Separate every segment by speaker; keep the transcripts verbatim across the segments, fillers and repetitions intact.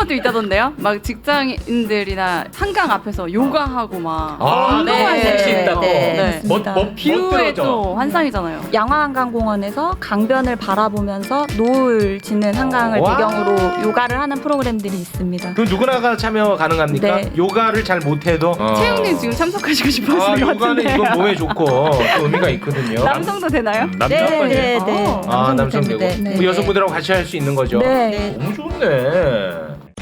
Speaker 1: 것도 있다던데요? 막 직장인들이나 한강 앞에서 요가하고 막
Speaker 2: 아,
Speaker 1: 운동할
Speaker 2: 네.
Speaker 1: 수 있다고.
Speaker 3: 네,
Speaker 1: 네.
Speaker 3: 맞습니다.
Speaker 2: 뭐, 뭐
Speaker 1: 뷰에
Speaker 2: 멋들어져.
Speaker 1: 또 환상이잖아요.
Speaker 3: 양화한강공원에서 강변을 바라보면서 노을 지는 한강을
Speaker 2: 와.
Speaker 3: 배경으로 요가를 하는 프로그램들이 있습니다.
Speaker 2: 그럼 누구나가 참여 가능합니까?
Speaker 3: 네.
Speaker 2: 요가를 잘 못해도 어.
Speaker 1: 채용님 지금 참석하시고 싶어
Speaker 2: 아,
Speaker 1: 하시는 것
Speaker 2: 요가는
Speaker 1: 같은데.
Speaker 2: 이건 몸에 좋고 또 의미가 있거든요.
Speaker 1: 남성도 되나요?
Speaker 4: 남자
Speaker 3: 네,
Speaker 4: 아빠예요.
Speaker 3: 네, 네.
Speaker 2: 아, 남성 되고
Speaker 3: 네, 네.
Speaker 2: 우리 여성분들하고 같이 할 수 있는 거죠?
Speaker 3: 네.
Speaker 2: 너무 좋네.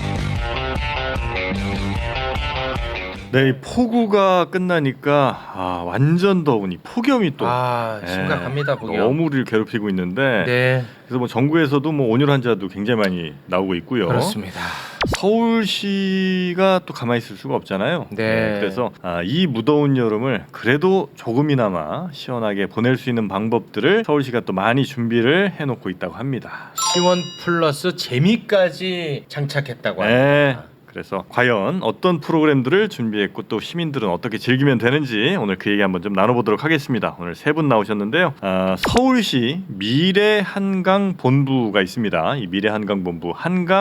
Speaker 4: 네, 이 폭우가 끝나니까 아, 완전 더우니 폭염이 또
Speaker 2: 아,
Speaker 4: 예,
Speaker 2: 심각합니다, 폭염.
Speaker 4: 너무 우리를 괴롭히고 있는데
Speaker 2: 네,
Speaker 4: 그래서 뭐 정부에서도 뭐 온열 환자도 굉장히 많이 나오고 있고요.
Speaker 2: 그렇습니다.
Speaker 4: 서울시가 또 가만히 있을 수가 없잖아요.
Speaker 2: 네.
Speaker 4: 그래서 아, 이 무더운 여름을 그래도 조금이나마 시원하게 보낼 수 있는 방법들을 서울시가 또 많이 준비를 해놓고 있다고 합니다.
Speaker 2: 시원 플러스 재미까지 장착했다고 합니다.
Speaker 4: 네. 그래서 과연 어떤 프로그램들을 준비했고 또 시민들은 어떻게 즐기면 되는지 오늘 그 얘기 한번 좀 나눠보도록 하겠습니다. 오늘 세 분 나오셨는데요. 아, 서울시 미래한강본부가 있습니다. 이 미래한강본부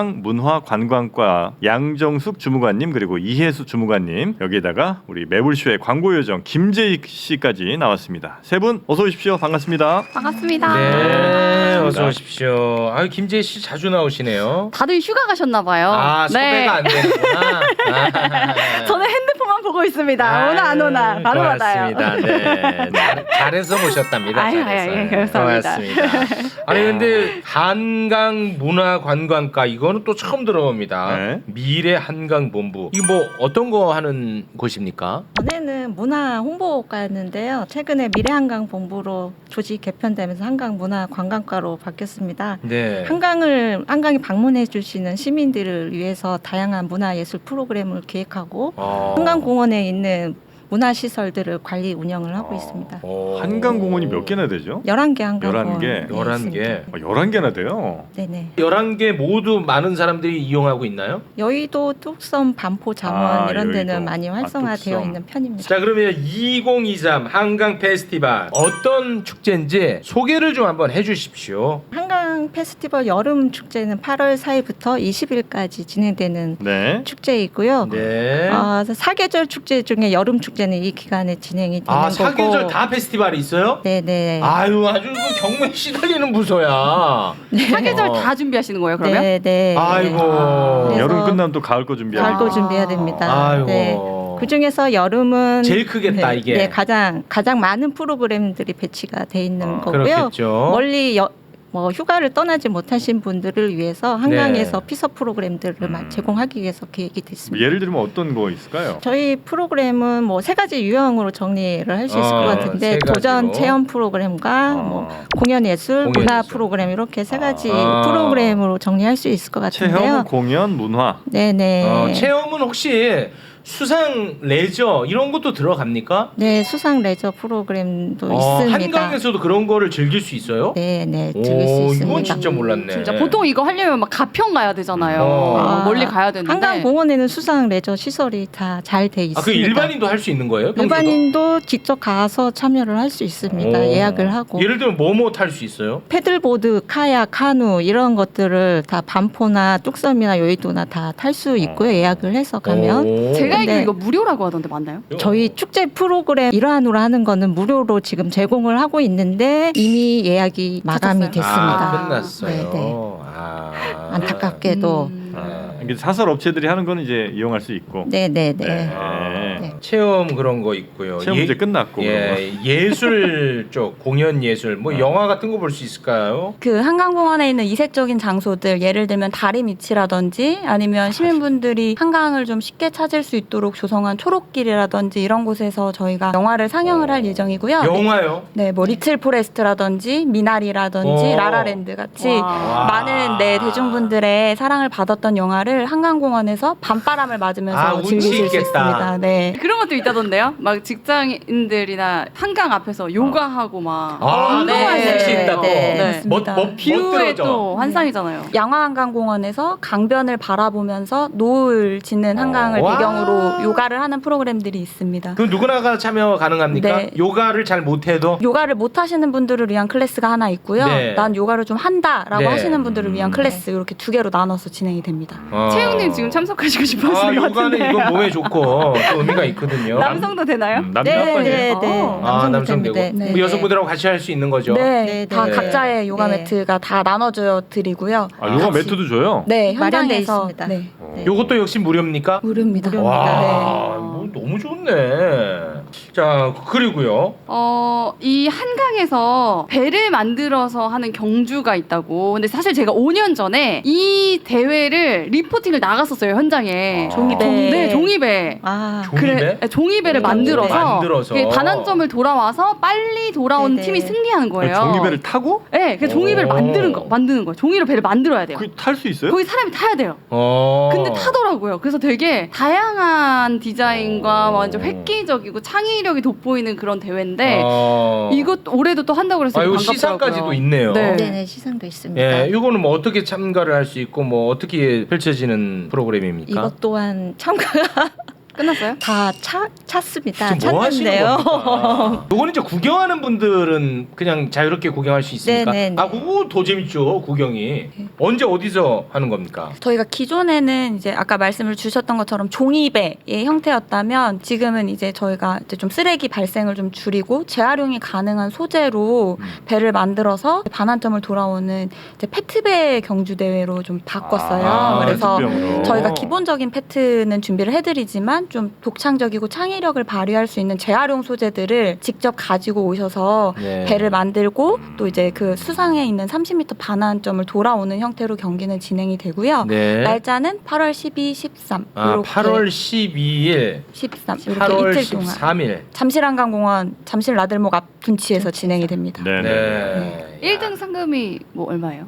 Speaker 4: 한강문화관광과 양정숙 주무관님 그리고 이혜수 주무관님 여기에다가 우리 매불쇼의 광고요정 김재익 씨까지 나왔습니다. 세 분 어서 오십시오. 반갑습니다.
Speaker 1: 반갑습니다.
Speaker 2: 네, 어서 오십시오. 아, 김재희 씨 자주 나오시네요.
Speaker 1: 다들 휴가 가셨나 봐요.
Speaker 2: 아, 섭외가 안 되는구나. 아.
Speaker 1: 저는 핸드폰만 보고 있습니다. 오나 안 오나 바로 받아요.
Speaker 2: 고맙습니다. 네, 잘- 잘해서 모셨답니다.
Speaker 1: 아유,
Speaker 2: 잘해서.
Speaker 1: 아유, 감사합니다.
Speaker 2: 고맙습니다. 아니 근데 한강 문화관광과 이거는 또 처음 들어봅니다.
Speaker 4: 네.
Speaker 2: 미래 한강본부 이거 뭐 어떤 거 하는 곳입니까?
Speaker 3: 전에는 문화 홍보과였는데요. 최근에 미래한강본부로 조직 개편되면서 한강문화관광과로 바뀌었습니다.
Speaker 2: 네.
Speaker 3: 한강을 한강에 방문해 주시는 시민들을 위해서 다양한 문화예술 프로그램을 기획하고
Speaker 2: 어.
Speaker 3: 한강공원에 있는 문화시설들을 관리 운영을 하고
Speaker 2: 어.
Speaker 3: 있습니다.
Speaker 2: 어.
Speaker 4: 한강공원이 몇 개나 되죠?
Speaker 3: 열한 개 한강공원.
Speaker 4: 열한 개?
Speaker 3: 네,
Speaker 2: 열한 개.
Speaker 3: 있습니다.
Speaker 4: 어, 열한 개나 돼요.
Speaker 3: 네네.
Speaker 2: 열한 개 모두 많은 사람들이 이용하고 있나요?
Speaker 3: 여의도, 뚝섬, 반포, 잠원
Speaker 4: 아,
Speaker 3: 이런 데는
Speaker 4: 여의도.
Speaker 3: 많이
Speaker 4: 아,
Speaker 3: 활성화되어
Speaker 4: 뚝섬.
Speaker 3: 있는 편입니다.
Speaker 2: 자, 그러면 이천이십삼 한강 페스티벌 어떤 축제인지 소개를 좀 한번 해주십시오.
Speaker 3: 한강 페스티벌 여름 축제는 팔월 사일부터 이십일까지 진행되는
Speaker 4: 네.
Speaker 3: 축제이고요.
Speaker 2: 네.
Speaker 3: 어, 사계절 축제 중에 여름 축제는 이 기간에 진행이 되는
Speaker 2: 아,
Speaker 3: 거고.
Speaker 2: 사계절 다 페스티벌이 있어요?
Speaker 3: 네네.
Speaker 2: 아유, 아주 그 경매에 시달리는 부서야.
Speaker 1: 사계절
Speaker 2: 어.
Speaker 1: 다 준비하시는 거예요, 그러면?
Speaker 3: 네네.
Speaker 2: 아이고.
Speaker 3: 그래서
Speaker 4: 여름 끝나면 또 가을 거 준비하고.
Speaker 3: 가을 거 준비해야 됩니다.
Speaker 2: 아이고.
Speaker 3: 네. 그 중에서 여름은
Speaker 2: 제일 크겠다,
Speaker 3: 네,
Speaker 2: 이게.
Speaker 3: 네, 가장 가장 많은 프로그램들이 배치가 돼 있는
Speaker 4: 어,
Speaker 3: 거고요.
Speaker 2: 그렇겠죠.
Speaker 3: 멀리 여, 뭐 휴가를 떠나지 못하신 분들을 위해서 한강에서
Speaker 2: 네.
Speaker 3: 피서 프로그램들을
Speaker 4: 음.
Speaker 3: 제공하기 위해서 계획이 됐습니다.
Speaker 4: 예를 들면 어떤 거 있을까요?
Speaker 3: 저희 프로그램은 뭐 세 가지 유형으로 정리를 할 수 있을
Speaker 2: 어,
Speaker 3: 것 같은데
Speaker 2: 세
Speaker 3: 도전
Speaker 2: 가지로.
Speaker 3: 체험 프로그램과
Speaker 4: 어.
Speaker 3: 뭐 공연 예술,
Speaker 2: 공연
Speaker 3: 문화
Speaker 2: 예술.
Speaker 3: 프로그램 이렇게 세 가지
Speaker 2: 아.
Speaker 3: 프로그램으로 정리할 수 있을 것
Speaker 4: 체험,
Speaker 3: 같은데요.
Speaker 4: 공연, 문화.
Speaker 3: 네네.
Speaker 2: 어, 체험은 혹시 수상 레저 이런 것도 들어갑니까?
Speaker 3: 네, 수상 레저 프로그램도
Speaker 2: 어,
Speaker 3: 있습니다.
Speaker 2: 한강에서도 그런 거를 즐길 수 있어요?
Speaker 3: 네, 네,
Speaker 2: 오,
Speaker 3: 즐길 수 있습니다.
Speaker 2: 이건 진짜 몰랐네.
Speaker 1: 진짜 보통 이거 하려면 막 가평 가야 되잖아요.
Speaker 2: 어.
Speaker 1: 어, 멀리 가야 되는데.
Speaker 3: 한강공원에는 수상 레저 시설이 다 잘 돼 있습니다.
Speaker 2: 아, 그 일반인도 할 수 있는 거예요? 평소도?
Speaker 3: 일반인도 직접 가서 참여를 할 수 있습니다.
Speaker 2: 오.
Speaker 3: 예약을 하고.
Speaker 2: 예를 들면 뭐뭐 탈 수 있어요?
Speaker 3: 패들보드, 카약, 카누 이런 것들을 다 반포나 뚝섬이나 여의도나 다 탈 수 있고요. 예약을 해서 가면.
Speaker 2: 오.
Speaker 1: 제가 알기로
Speaker 3: 근데-
Speaker 1: 이거 무료라고 하던데 맞나요?
Speaker 3: 저희 축제 프로그램 일환으로 하는 거는 무료로 지금 제공을 하고 있는데 이미 예약이 마감이
Speaker 1: 끝났어요?
Speaker 3: 됐습니다.
Speaker 2: 아, 끝났어요.
Speaker 3: 네, 네.
Speaker 2: 아.
Speaker 3: 안타깝게도.
Speaker 1: 음.
Speaker 4: 아, 이게 사설 업체들이 하는 거는 이제 이용할 수 있고.
Speaker 3: 네, 네, 네.
Speaker 4: 네.
Speaker 3: 네.
Speaker 2: 체험 그런 거 있고요.
Speaker 4: 체험
Speaker 2: 예-
Speaker 4: 이제 끝났고. 그런
Speaker 2: 예, 예술 쪽 공연 예술 뭐
Speaker 4: 어.
Speaker 2: 영화 같은 거 볼 수 있을까요?
Speaker 5: 그 한강공원에 있는 이색적인 장소들 예를 들면 다리 밑이라든지 아니면 시민분들이 한강을 좀 쉽게 찾을 수 있도록 조성한 초록길이라든지 이런 곳에서 저희가 영화를 상영을 할 예정이고요.
Speaker 2: 영화요?
Speaker 5: 네, 뭐 리틀 포레스트라든지 미나리라든지
Speaker 2: 오.
Speaker 5: 라라랜드 같이
Speaker 1: 와.
Speaker 5: 많은 네 대중분들의 사랑을 받았던 영화를 한강공원에서 밤바람을 맞으면서
Speaker 2: 아, 운치
Speaker 5: 즐기실 수
Speaker 2: 있겠다.
Speaker 5: 있습니다. 네.
Speaker 1: 그런 것도 있다던데요? 막 직장인들이나 한강 앞에서 요가하고 막
Speaker 2: 아,
Speaker 1: 운동할
Speaker 2: 네.
Speaker 1: 수 있다고.
Speaker 3: 네,
Speaker 1: 네.
Speaker 3: 맞습니다.
Speaker 2: 뭐, 뭐
Speaker 1: 뷰에
Speaker 2: 멋들어져.
Speaker 1: 또 환상이잖아요.
Speaker 5: 양화한강공원에서 강변을 바라보면서 노을 지는 한강을
Speaker 2: 와.
Speaker 5: 배경으로 요가를 하는 프로그램들이 있습니다.
Speaker 2: 그럼 누구나가 참여 가능합니까?
Speaker 5: 네.
Speaker 2: 요가를 잘 못해도
Speaker 5: 요가를 못 하시는 분들을 위한 클래스가 하나 있고요.
Speaker 2: 네.
Speaker 5: 난 요가를 좀 한다라고
Speaker 2: 네.
Speaker 5: 하시는 분들을 위한
Speaker 4: 음.
Speaker 5: 클래스 이렇게 두 개로 나눠서 진행이 됩니다.
Speaker 2: 어, 어.
Speaker 1: 채영님 지금 참석하시고
Speaker 2: 아,
Speaker 1: 싶어하시는 것
Speaker 2: 요가는
Speaker 1: 같은데.
Speaker 2: 이건 몸에 좋고 또 의미가 있거든요.
Speaker 1: 남성도 되나요?
Speaker 4: 음, 남녀
Speaker 3: 네,
Speaker 4: 합반이에요.
Speaker 3: 네, 네.
Speaker 1: 어.
Speaker 2: 아,
Speaker 3: 남성도
Speaker 2: 남성 되고
Speaker 3: 됩니다. 네,
Speaker 2: 뭐
Speaker 3: 네.
Speaker 2: 여성분들하고 같이 할 수 있는 거죠.
Speaker 5: 네,
Speaker 3: 네,
Speaker 5: 다
Speaker 2: 네.
Speaker 5: 각자의 요가
Speaker 3: 네.
Speaker 5: 매트가 다 나눠져 드리고요.
Speaker 4: 아, 요가
Speaker 5: 같이.
Speaker 4: 매트도 줘요?
Speaker 5: 네,
Speaker 3: 마련돼
Speaker 5: 현장에서
Speaker 3: 있습니다.
Speaker 5: 네.
Speaker 3: 네.
Speaker 2: 요것도 역시 무료입니까?
Speaker 5: 무료입니다.
Speaker 3: 무료입니다.
Speaker 2: 와,
Speaker 3: 네.
Speaker 2: 뭐 너무 좋네. 자, 그리고요.
Speaker 1: 어, 이 한강에서 배를 만들어서 하는 경주가 있다고. 근데 사실 제가 오 년 전에 이 대회를 리포팅을 나갔었어요, 현장에.
Speaker 2: 아.
Speaker 5: 종이배.
Speaker 1: 네, 종이배.
Speaker 3: 아,
Speaker 2: 종이배?
Speaker 1: 그래, 네, 종이배를
Speaker 2: 오,
Speaker 1: 만들어서,
Speaker 2: 만들어서.
Speaker 1: 그게 반환점을 돌아와서 빨리 돌아온
Speaker 3: 네네.
Speaker 1: 팀이 승리하는 거예요.
Speaker 4: 종이배를 타고
Speaker 1: 네, 그 종이배를
Speaker 2: 오.
Speaker 1: 만드는 거, 만드는 거. 종이로 배를 만들어야 돼요.
Speaker 4: 그 탈 수 있어요?
Speaker 1: 거기 사람이 타야 돼요.
Speaker 2: 어.
Speaker 1: 근데 타더라고요. 그래서 되게 다양한 디자인과
Speaker 2: 오.
Speaker 1: 완전 획기적이고 창의력이 돋보이는 그런 대회인데
Speaker 2: 어.
Speaker 1: 이것 올해도 또 한다고 그래서
Speaker 2: 아, 이거
Speaker 1: 반갑더라고요.
Speaker 2: 시상까지도 있네요.
Speaker 1: 네.
Speaker 3: 네네 시상도 있습니다.
Speaker 2: 예, 이거는 뭐 어떻게 참가를 할 수 있고 뭐 어떻게 펼쳐지는 프로그램입니까?
Speaker 3: 이것 또한 참가가
Speaker 1: 끝났어요?
Speaker 3: 다 차, 찼습니다.
Speaker 2: 지금 뭐 하시는
Speaker 3: 찼는데요.
Speaker 2: 겁니까? 이거는 이제 구경하는 분들은 그냥 자유롭게 구경할 수 있습니까?
Speaker 3: 네네네.
Speaker 2: 아, 그거 더 재밌죠, 구경이. 언제 어디서 하는 겁니까?
Speaker 5: 저희가 기존에는 이제 아까 말씀을 주셨던 것처럼 종이배의 형태였다면 지금은 이제 저희가 이제 좀 쓰레기 발생을 좀 줄이고 재활용이 가능한 소재로
Speaker 2: 음.
Speaker 5: 배를 만들어서 반환점을 돌아오는 이제 페트배 경주 대회로 좀 바꿨어요.
Speaker 2: 아,
Speaker 5: 그래서
Speaker 4: 페트병으로.
Speaker 5: 저희가 기본적인 페트는 준비를 해드리지만 좀 독창적이고 창의력을 발휘할 수 있는 재활용 소재들을 직접 가지고 오셔서
Speaker 2: 네.
Speaker 5: 배를 만들고 또 이제 그 수상에 있는 삼십 미터 반환점을 돌아오는 형태로 경기는 진행이 되고요.
Speaker 2: 네.
Speaker 5: 날짜는 팔월 십이, 십삼
Speaker 2: 아,
Speaker 5: 이렇게
Speaker 2: 팔월 십이일,
Speaker 5: 십삼 이렇게
Speaker 2: 팔월
Speaker 5: 이틀 동안
Speaker 2: 십삼일.
Speaker 5: 잠실한강공원 잠실 나들목 앞 둔치에서 진행이 됩니다.
Speaker 4: 네. 네.
Speaker 2: 네.
Speaker 1: 일 등 상금이 뭐 얼마예요?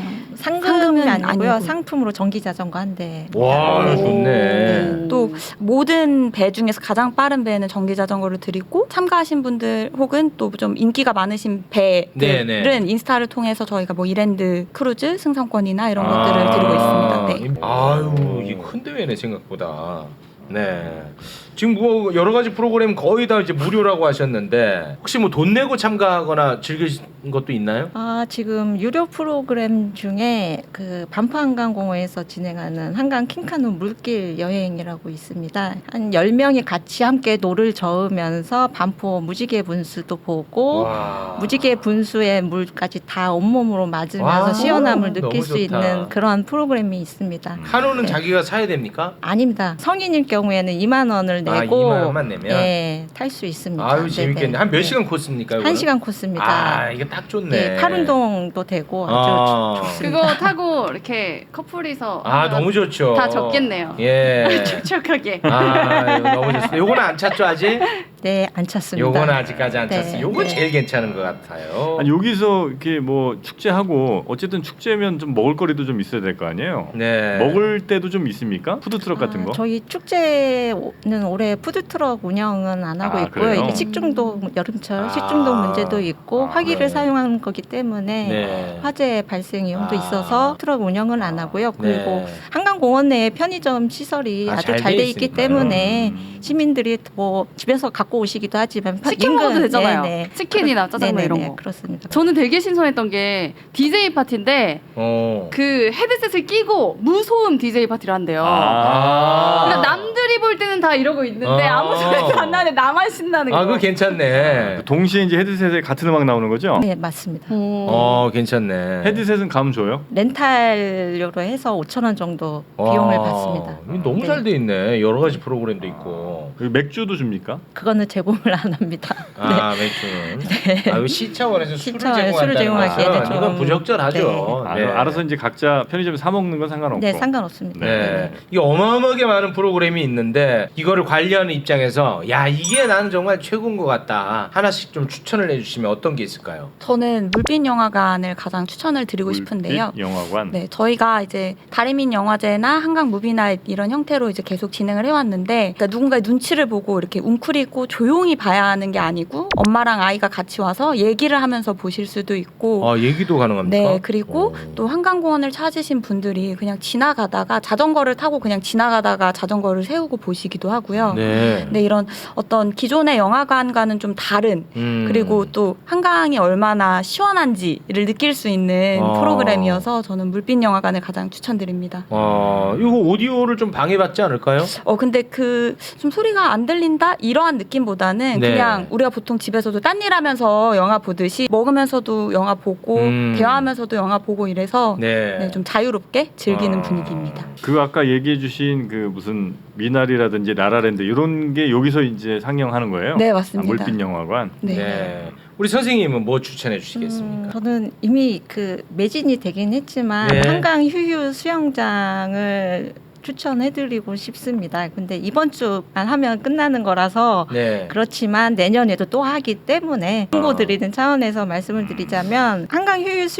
Speaker 3: 상금은
Speaker 5: 상금은
Speaker 3: 아니고요.
Speaker 5: 아니고.
Speaker 3: 상품으로 전기 자전거 한 대.
Speaker 2: 와,
Speaker 3: 네.
Speaker 2: 좋네.
Speaker 5: 또 모든 배 중에서 가장 빠른 배는 전기 자전거를 드리고 참가하신 분들 혹은 또 좀 인기가 많으신 배들은
Speaker 2: 네네.
Speaker 5: 인스타를 통해서 저희가 뭐 이랜드 크루즈 승선권이나 이런 것들을 드리고 있습니다. 네.
Speaker 2: 아유, 이 큰 대회네 생각보다. 네. 지금 뭐 여러 가지 프로그램 거의 다 이제 무료라고 하셨는데 혹시 뭐 돈 내고 참가하거나 즐기신 것도 있나요?
Speaker 3: 아, 지금 유료 프로그램 중에 그 반포한강공원에서 진행하는 한강 킹카누 물길 여행이라고 있습니다. 한 열 명이 같이 함께 노를 저으면서 반포 무지개 분수도 보고
Speaker 2: 와.
Speaker 3: 무지개 분수의 물까지 다 온몸으로 맞으면서
Speaker 2: 와,
Speaker 3: 시원함을
Speaker 2: 너무
Speaker 3: 느낄 수
Speaker 2: 좋다.
Speaker 3: 있는 그런 프로그램이 있습니다.
Speaker 2: 카누는
Speaker 3: 네.
Speaker 2: 자기가 사야 됩니까?
Speaker 3: 아닙니다. 성인일 경우에는 이만 원을
Speaker 2: 아,
Speaker 3: 내고
Speaker 2: 이만 원만 내면?
Speaker 3: 네, 탈 수 있습니다.
Speaker 2: 아유, 재밌겠네.
Speaker 3: 네네.
Speaker 2: 한 몇
Speaker 3: 네.
Speaker 2: 시간 코스입니까? 이거는?
Speaker 3: 한 시간 코스입니다.
Speaker 2: 아, 이게 딱 좋네.
Speaker 3: 네, 팔운동도 되고 아주
Speaker 2: 아.
Speaker 3: 좋- 좋습니다.
Speaker 1: 그거 타고 이렇게 커플이서
Speaker 2: 아,
Speaker 1: 하면
Speaker 2: 너무 좋죠.
Speaker 1: 다 적겠네요.
Speaker 2: 예.
Speaker 1: 촉촉하게.
Speaker 2: 아, 이거 너무 좋습니다. 요거는 안 찼죠, 아직?
Speaker 3: 네, 안 찼습니다.
Speaker 2: 요거는 아직까지 안
Speaker 3: 네,
Speaker 2: 찼어요. 요거
Speaker 3: 네.
Speaker 2: 제일 괜찮은 것 같아요.
Speaker 4: 아니, 여기서 이렇게 뭐 축제하고 어쨌든 축제면 좀 먹을거리도 좀 있어야 될 거 아니에요?
Speaker 2: 네.
Speaker 4: 먹을 때도 좀 있습니까? 푸드트럭 같은
Speaker 3: 아,
Speaker 4: 거?
Speaker 3: 저희 축제는 올해 푸드트럭 운영은 안 하고
Speaker 4: 아,
Speaker 3: 있고요.
Speaker 4: 그래요?
Speaker 3: 이게 식중독 여름철
Speaker 2: 아.
Speaker 3: 식중독 문제도 있고
Speaker 2: 아,
Speaker 3: 화기를
Speaker 2: 네.
Speaker 3: 사용하는 거기 때문에
Speaker 2: 네.
Speaker 3: 화재 발생 위험도
Speaker 2: 아.
Speaker 3: 있어서 트럭 운영은 안 하고요. 그리고
Speaker 2: 네.
Speaker 3: 한강공원 내에 편의점 시설이
Speaker 2: 아,
Speaker 3: 아주
Speaker 2: 잘
Speaker 3: 잘
Speaker 2: 돼
Speaker 3: 돼 있기
Speaker 2: 있으니까요.
Speaker 3: 때문에
Speaker 4: 음.
Speaker 3: 시민들이 뭐 집에서 갖고 오시기도 하지만 파-
Speaker 1: 치킨
Speaker 3: 인근-
Speaker 1: 먹어도 되잖아요.
Speaker 3: 네네.
Speaker 1: 치킨이나 짜장면
Speaker 3: 네네네,
Speaker 1: 이런 거.
Speaker 3: 그렇습니다.
Speaker 1: 저는 되게 신선했던 게 디제이 파티인데
Speaker 2: 어.
Speaker 1: 그 헤드셋을 끼고 무소음 디제이 파티를 한대요.
Speaker 2: 아.
Speaker 1: 그러니까 남들이 볼 때는 다 이러고 있는데
Speaker 2: 아.
Speaker 1: 아무 소리도 안 나는데 나만 신나는 거.
Speaker 2: 아, 그거 괜찮네.
Speaker 4: 동시에 이제 헤드셋에 같은 음악 나오는 거죠?
Speaker 3: 네, 맞습니다.
Speaker 1: 어.
Speaker 2: 어, 괜찮네.
Speaker 4: 헤드셋은 감 줘요?
Speaker 3: 렌탈료로 해서 오천 원 정도 비용을
Speaker 2: 와,
Speaker 3: 받습니다.
Speaker 2: 이거 너무
Speaker 3: 네.
Speaker 2: 잘 돼 있네. 여러 가지 프로그램도 있고.
Speaker 4: 그리고 맥주도 줍니까?
Speaker 3: 그거는 제공을 안 합니다.
Speaker 2: 아, 맥주는. 아, 이거 시 차원에서 술을
Speaker 3: 시 차원에서 술을
Speaker 2: 제공한다는
Speaker 3: 제공하기에는
Speaker 2: 것은
Speaker 3: 좀-
Speaker 2: 이건 부적절하죠.
Speaker 4: 아,
Speaker 2: 네.
Speaker 4: 알아서 이제 각자 편의점에 사 먹는 건 상관없고.
Speaker 3: 네, 상관없습니다.
Speaker 2: 네. 이게 어마어마하게 많은 프로그램이 있는데 이거를 관리하는 입장에서 야, 이게 나는 정말 최고인 것 같다. 하나씩 좀 추천을 해주시면 어떤 게 있을까요?
Speaker 5: 저는 물빛 영화관을 가장 추천을 드리고
Speaker 4: 물빛
Speaker 5: 싶은데요.
Speaker 4: 영화관.
Speaker 5: 네, 저희가 이제 다리민 영화제나 한강 무비나잇 이런 형태로 이제 계속 진행을 해왔는데, 그러니까 누군가의 눈치를 보고 이렇게 웅크리고 조용히 봐야 하는 게 아니고 엄마랑 아이가 같이 와서 얘기를 하면서 보실 수도 있고.
Speaker 2: 아, 얘기도 가능합니까?
Speaker 5: 네, 그리고
Speaker 2: 오.
Speaker 5: 또 한강공원을 찾으신 분들이 그냥 지나가다가 자전거를 타고 그냥 지나가다가 자전거를 세우고 보시기도 하고요.
Speaker 2: 네.
Speaker 5: 네, 이런 어떤 기존의 영화관과는 좀 다른
Speaker 2: 음.
Speaker 5: 그리고 또 한강이 얼마나 시원한지를 느낄 수 있는
Speaker 2: 어.
Speaker 5: 프로그램이어서 저는 물빛 영화관을 가장 추천드립니다.
Speaker 2: 어, 이거 오디오를 좀 방해받지 않을까요?
Speaker 5: 어 근데 그 좀 소리가 안 들린다 이러한 느낌보다는
Speaker 2: 네.
Speaker 5: 그냥 우리가 보통 집에서도 딴 일 하면서 영화 보듯이 먹으면서도 영화 보고
Speaker 2: 음.
Speaker 5: 대화하면서도 영화 보고 이래서
Speaker 2: 네.
Speaker 5: 네, 좀 자유롭게 즐기는
Speaker 2: 아.
Speaker 5: 분위기입니다.
Speaker 4: 그 아까 얘기해주신 그 무슨 미나리라든지 라라랜드 이런 게 여기서 이제 상영하는 거예요?
Speaker 5: 네
Speaker 4: 아,
Speaker 5: 맞습니다.
Speaker 4: 물빛 영화관.
Speaker 5: 네.
Speaker 2: 네. 우리 선생님은 뭐 추천해 주시겠습니까?
Speaker 3: 음, 저는 이미 그 매진이 되긴 했지만
Speaker 2: 네.
Speaker 3: 한강 휴유 수영장을 추천해드리고 싶습니다. 근데 이번 주만 하면 끝나는 거라서
Speaker 2: 네.
Speaker 3: 그렇지만 내년에도 또 하기 때문에 홍보
Speaker 2: 아.
Speaker 3: 드리는 차원에서 말씀을 드리자면 한강 휴유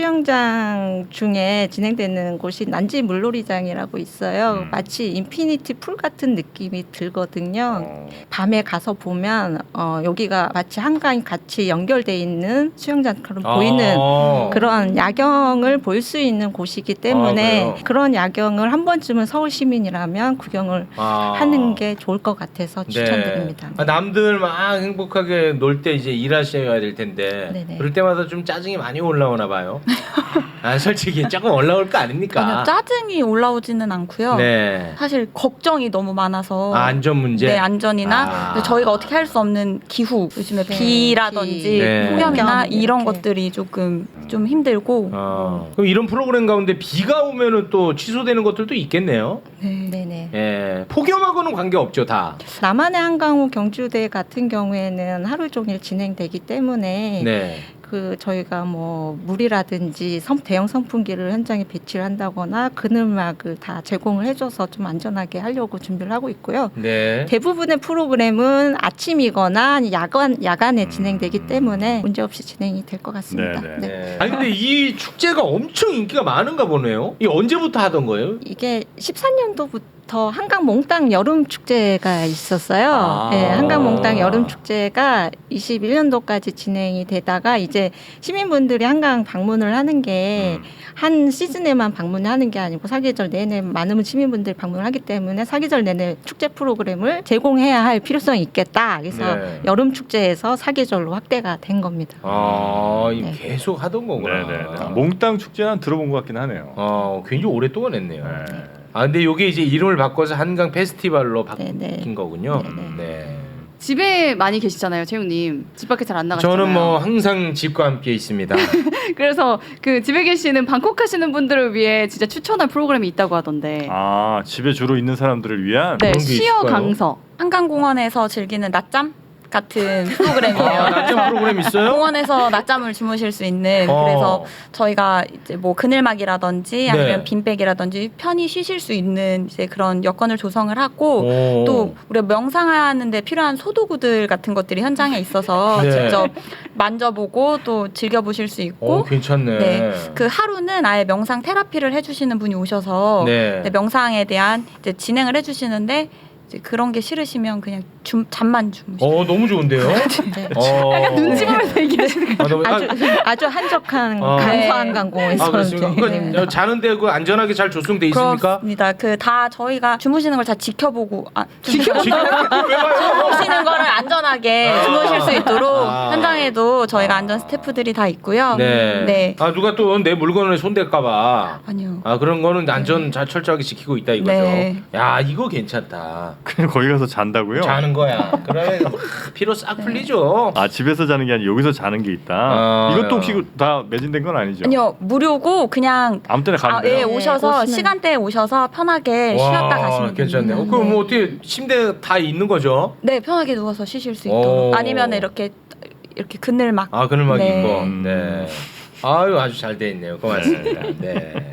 Speaker 3: 수영장 중에 진행되는 곳이 난지 물놀이장이라고 있어요.
Speaker 4: 음.
Speaker 3: 마치 인피니티 풀 같은 느낌이 들거든요.
Speaker 4: 어.
Speaker 3: 밤에 가서 보면 어, 여기가 마치 한강이 같이 연결돼 있는 수영장처럼 보이는
Speaker 2: 아.
Speaker 3: 그런 야경을 볼 수 있는 곳이기 때문에
Speaker 2: 아, 그래요?
Speaker 3: 그런 야경을 한 번쯤은 서울 시민이라면 구경을
Speaker 2: 아.
Speaker 3: 하는 게 좋을 것 같아서
Speaker 2: 네.
Speaker 3: 추천드립니다.
Speaker 2: 아, 남들 막 행복하게 놀 때 이제 일하셔야 될 텐데
Speaker 3: 네네.
Speaker 2: 그럴 때마다 좀 짜증이 많이 올라오나 봐요. 아, 솔직히 조금 올라올 거 아닙니까?
Speaker 5: 아니요 짜증이 올라오지는 않고요.
Speaker 2: 네.
Speaker 5: 사실 걱정이 너무 많아서
Speaker 2: 아, 안전 문제.
Speaker 5: 네 안전이나
Speaker 2: 아.
Speaker 5: 근데 저희가 어떻게 할 수 없는 기후 요즘에
Speaker 3: 네,
Speaker 5: 비라든지
Speaker 3: 비.
Speaker 2: 네.
Speaker 5: 폭염이나
Speaker 3: 폭염
Speaker 5: 이런
Speaker 3: 이렇게.
Speaker 5: 것들이 조금 좀 힘들고
Speaker 2: 어. 그럼 이런 프로그램 가운데 비가 오면은 또 취소되는 것들도 있겠네요.
Speaker 5: 네.
Speaker 3: 네네.
Speaker 2: 예. 폭염하고는 관계 없죠, 다.
Speaker 3: 남한의 한강호 경주대 같은 경우에는 하루 종일 진행되기 때문에
Speaker 2: 네.
Speaker 3: 그 저희가 뭐 물이라든지 선- 대형 선풍기를 현장에 배치를 한다거나 그늘막을 다 제공을 해줘서 좀 안전하게 하려고 준비를 하고 있고요.
Speaker 2: 네.
Speaker 3: 대부분의 프로그램은 아침이거나 아니 야간 야간에
Speaker 4: 음.
Speaker 3: 진행되기 때문에 문제 없이 진행이 될 것 같습니다.
Speaker 4: 네네.
Speaker 3: 네.
Speaker 2: 네. 아니 근데 이 축제가 엄청 인기가 많은가 보네요. 이 언제부터 하던 거예요?
Speaker 3: 이게 십삼 년도부터 한강 몽땅 여름 축제가 있었어요.
Speaker 2: 아.
Speaker 3: 네, 한강 몽땅 여름 축제가 이십일 년도까지 진행이 되다가 이제 시민분들이 한강 방문을 하는 게 한 시즌에만 방문하는 게 아니고 사계절 내내 많은 시민분들이 방문을 하기 때문에 사계절 내내 축제 프로그램을 제공해야 할 필요성이 있겠다. 그래서
Speaker 2: 네.
Speaker 3: 여름 축제에서 사계절로 확대가 된 겁니다.
Speaker 2: 아, 이
Speaker 3: 네.
Speaker 2: 계속 하던 거구나.
Speaker 4: 네네. 몽땅 축제는 들어본 것 같긴 하네요.
Speaker 2: 어, 굉장히 오랫동안 했네요.
Speaker 4: 네.
Speaker 2: 아, 근데 이게 이제 이름을 바꿔서 한강 페스티벌로 바뀐
Speaker 3: 네네.
Speaker 2: 거군요.
Speaker 3: 네네.
Speaker 2: 네.
Speaker 1: 집에 많이 계시잖아요, 채용님. 집 밖에 잘 안 나가시잖아요.
Speaker 2: 저는 뭐 항상 집과 함께 있습니다.
Speaker 1: 그래서 그 집에 계시는 방콕 하시는 분들을 위해 진짜 추천할 프로그램이 있다고 하던데.
Speaker 4: 아 집에 주로 있는 사람들을 위한.
Speaker 1: 네,
Speaker 2: 그런 게
Speaker 1: 시어
Speaker 2: 있을까요?
Speaker 1: 강서.
Speaker 5: 한강공원에서 즐기는 낮잠 같은 프로그램이에요.
Speaker 2: 아, 낮잠 프로그램 있어요?
Speaker 5: 공원에서 낮잠을 주무실 수 있는
Speaker 2: 어.
Speaker 5: 그래서 저희가 이제 뭐 그늘막이라든지 아니면
Speaker 2: 네.
Speaker 5: 빈백이라든지 편히 쉬실 수 있는 이제 그런 여건을 조성을 하고
Speaker 2: 오.
Speaker 5: 또 우리가 명상하는데 필요한 소도구들 같은 것들이 현장에 있어서
Speaker 2: 네.
Speaker 5: 직접 만져보고 또 즐겨보실 수 있고
Speaker 2: 오, 괜찮네.
Speaker 5: 네. 그 하루는 아예 명상 테라피를 해주시는 분이 오셔서
Speaker 2: 네.
Speaker 5: 네, 명상에 대한 이제 진행을 해주시는데 이제 그런 게 싫으시면 그냥 줌, 잠만 주무시면
Speaker 2: 어, 너무 좋은데요?
Speaker 3: 네.
Speaker 2: 어.
Speaker 1: 약간 눈치 보면서 얘기하시는 거.
Speaker 2: 아, 너무, 아,
Speaker 3: 아주 아주 한적한
Speaker 2: 어.
Speaker 3: 간소한 강공에서
Speaker 2: 아, 그렇습니까?
Speaker 3: 네.
Speaker 2: 그, 자는데 그 안전하게 잘 조성돼 있습니까?
Speaker 5: 그렇습니다. 그 다 저희가 주무시는 걸 다 지켜보고 아, 지켜
Speaker 2: 지금 왜 봐요?
Speaker 5: 주무시는 거를 안전하게
Speaker 2: 아.
Speaker 5: 주무실 수 있도록
Speaker 2: 아.
Speaker 5: 현장에도 저희가 안전 스태프들이 다 있고요.
Speaker 2: 네.
Speaker 5: 네.
Speaker 2: 아, 누가 또 내 물건을 손댈까봐.
Speaker 5: 아니요.
Speaker 2: 아, 그런 거는 안전 잘 철저하게 지키고 있다 이거죠.
Speaker 5: 네.
Speaker 2: 야, 이거 괜찮다.
Speaker 4: 그냥 거기 가서 잔다고요?
Speaker 2: 자는 거야. 그러면 막 피로 싹 풀리죠.
Speaker 4: 아 집에서 자는 게 아니라 여기서 자는 게 있다.
Speaker 2: 아,
Speaker 4: 이것도 혹시
Speaker 2: 야.
Speaker 4: 다 매진된 건 아니죠?
Speaker 5: 아니요. 무료고 그냥
Speaker 4: 아무 때나 가면
Speaker 5: 아,
Speaker 4: 돼요.
Speaker 5: 예, 오셔서
Speaker 3: 오시면-
Speaker 5: 시간대에 오셔서 편하게 쉬었다 가시면
Speaker 2: 괜찮네.
Speaker 5: 됩니다.
Speaker 2: 어, 그럼 뭐 어떻게 침대 다 있는 거죠?
Speaker 5: 네, 편하게 누워서 쉬실 수
Speaker 2: 오.
Speaker 5: 있도록 아니면 이렇게 이렇게 그늘막
Speaker 2: 아, 그늘막
Speaker 5: 네.
Speaker 2: 있고.
Speaker 4: 음.
Speaker 2: 네. 아유, 아주 잘 돼 있네요. 고맙습니다. 네.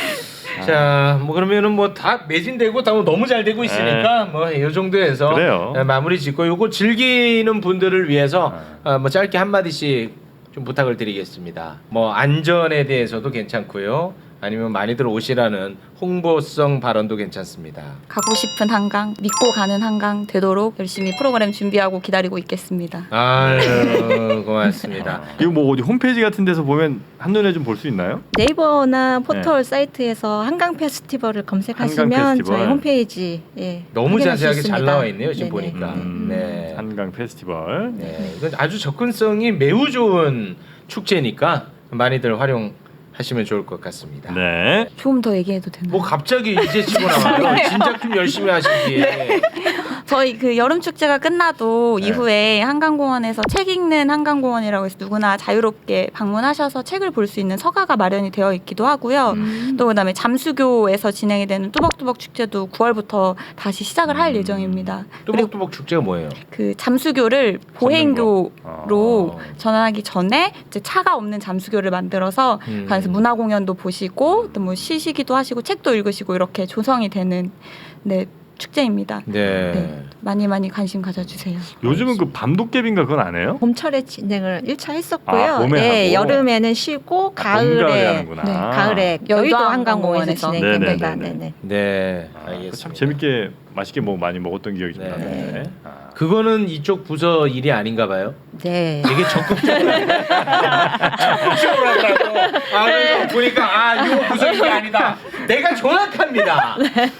Speaker 2: 자, 뭐 그러면은 뭐 다 매진되고 다 너무 잘 되고 있으니까 뭐 이 정도에서
Speaker 4: 그래요.
Speaker 2: 네, 마무리 짓고 요거 즐기는 분들을 위해서 어, 뭐 짧게 한 마디씩 좀 부탁을 드리겠습니다. 뭐 안전에 대해서도 괜찮고요. 아니면 많이들 오시라는 홍보성 발언도 괜찮습니다.
Speaker 5: 가고 싶은 한강, 믿고 가는 한강 되도록 열심히 프로그램 준비하고 기다리고 있겠습니다.
Speaker 2: 아유 고맙습니다.
Speaker 4: 이거 뭐 어디 홈페이지 같은 데서 보면 한눈에 좀 볼 수 있나요?
Speaker 3: 네이버나 포털 사이트에서 한강 페스티벌을 검색하시면
Speaker 4: 한강 페스티벌.
Speaker 3: 저희 홈페이지 예,
Speaker 2: 너무
Speaker 3: 확인할 수
Speaker 2: 자세하게 잘
Speaker 3: 있습니다.
Speaker 2: 나와 있네요 지금
Speaker 3: 네네.
Speaker 2: 보니까.
Speaker 4: 음,
Speaker 2: 네.
Speaker 4: 한강 페스티벌.
Speaker 2: 네, 이건 아주 접근성이 매우 좋은 축제니까 많이들 활용하시면 좋을 것 같습니다.
Speaker 4: 네.
Speaker 5: 좀 더 얘기해도 되나요?
Speaker 2: 뭐 갑자기 이제 치고 나와요. 진작 좀 열심히 하시지.
Speaker 5: 저희 그 여름 축제가 끝나도
Speaker 2: 네.
Speaker 5: 이후에 한강공원에서 책 읽는 한강공원이라고 해서 누구나 자유롭게 방문하셔서 책을 볼 수 있는 서가가 마련이 되어 있기도 하고요.
Speaker 1: 음.
Speaker 5: 또 그다음에 잠수교에서 진행이 되는 뚜벅뚜벅 축제도 구월부터 다시 시작을 할
Speaker 2: 음.
Speaker 5: 예정입니다. 그리고
Speaker 2: 뚜벅뚜벅 축제가 뭐예요?
Speaker 5: 그 잠수교를 보행교로
Speaker 2: 어.
Speaker 5: 전환하기 전에 이제 차가 없는 잠수교를 만들어서
Speaker 2: 음.
Speaker 5: 가서 문화 공연도 보시고 또 뭐 쉬시기도 하시고 책도 읽으시고 이렇게 조성이 되는 네 축제입니다.
Speaker 2: 네.
Speaker 5: 네. 많이 많이 관심 가져주세요.
Speaker 4: 요즘은 그 밤도깨비인가 그건 안 해요?
Speaker 3: 봄철에 진행을 일 차 했었고요.
Speaker 4: 아, 봄에
Speaker 3: 네,
Speaker 4: 하고?
Speaker 3: 여름에는 쉬고
Speaker 4: 아, 봄가을에
Speaker 3: 가을에
Speaker 4: 하는구나.
Speaker 5: 네,
Speaker 3: 가을에 여의도 한강공원에서
Speaker 5: 한강공원에서.
Speaker 3: 진행됩니다.
Speaker 4: 네네네네.
Speaker 3: 네네.
Speaker 2: 네.
Speaker 4: 아,
Speaker 2: 알겠습니다.
Speaker 4: 참 재밌게 맛있게 뭐 많이 먹었던 기억이 좀
Speaker 2: 네.
Speaker 4: 나는데. 아.
Speaker 2: 그거는 이쪽 부서 일이 아닌가 봐요.
Speaker 3: 네.
Speaker 2: 되게 적극적으로 적극적으로 하더라고. 아, 그래서 보니까 아, 이거 부서 일이 아니다. 내가 정확합니다.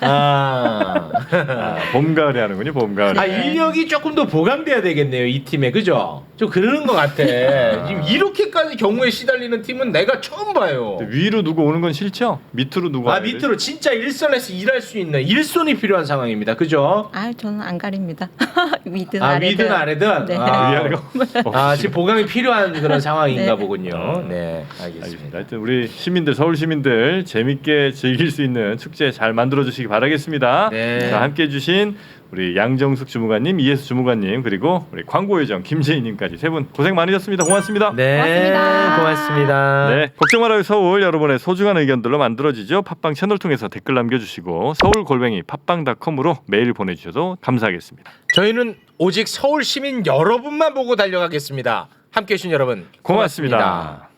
Speaker 2: 아.
Speaker 4: 아, 봄 가을에 하는군요. 봄 가을에.
Speaker 2: 아 인력이 조금 더 보강돼야 되겠네요 이 팀에 그죠? 좀 그러는 것 같아. 지금 이렇게까지 경우에 시달리는 팀은 내가 처음 봐요.
Speaker 4: 위로 누구 오는 건 싫죠? 밑으로 누구
Speaker 2: 아
Speaker 4: 와야 돼?
Speaker 2: 밑으로 진짜 일선에서 일할 수 있는 일손이 필요한 상황입니다. 그죠?
Speaker 3: 아, 저는 안 가립니다. 위든
Speaker 2: 아
Speaker 3: 아래든.
Speaker 2: 위든 아래든.
Speaker 3: 네.
Speaker 2: 아,
Speaker 4: 위아래가
Speaker 2: 아 지금 보강이 필요한 그런 상황인가
Speaker 3: 네.
Speaker 2: 보군요. 네
Speaker 4: 알겠습니다.
Speaker 2: 알겠습니다.
Speaker 4: 하여튼 우리 시민들, 서울 시민들 재밌게 즐길 수 있는 축제 잘 만들어 주시기 바라겠습니다.
Speaker 2: 네.
Speaker 4: 자, 함께 해주신 우리 양정숙 주무관님, 이혜수 주무관님, 그리고 우리 광고요정 김재희님까지 세 분 고생 많으셨습니다. 고맙습니다.
Speaker 2: 네
Speaker 1: 고맙습니다.
Speaker 2: 고맙습니다.
Speaker 4: 네, 걱정 말아요 서울. 여러분의 소중한 의견들로 만들어지죠. 팟빵 채널 통해서 댓글 남겨주시고 서울 골뱅이 팟빵닷컴으로 메일 보내주셔도 감사하겠습니다.
Speaker 2: 저희는 오직 서울 시민 여러분만 보고 달려가겠습니다. 함께해 주신 여러분
Speaker 4: 고맙습니다.
Speaker 2: 고맙습니다.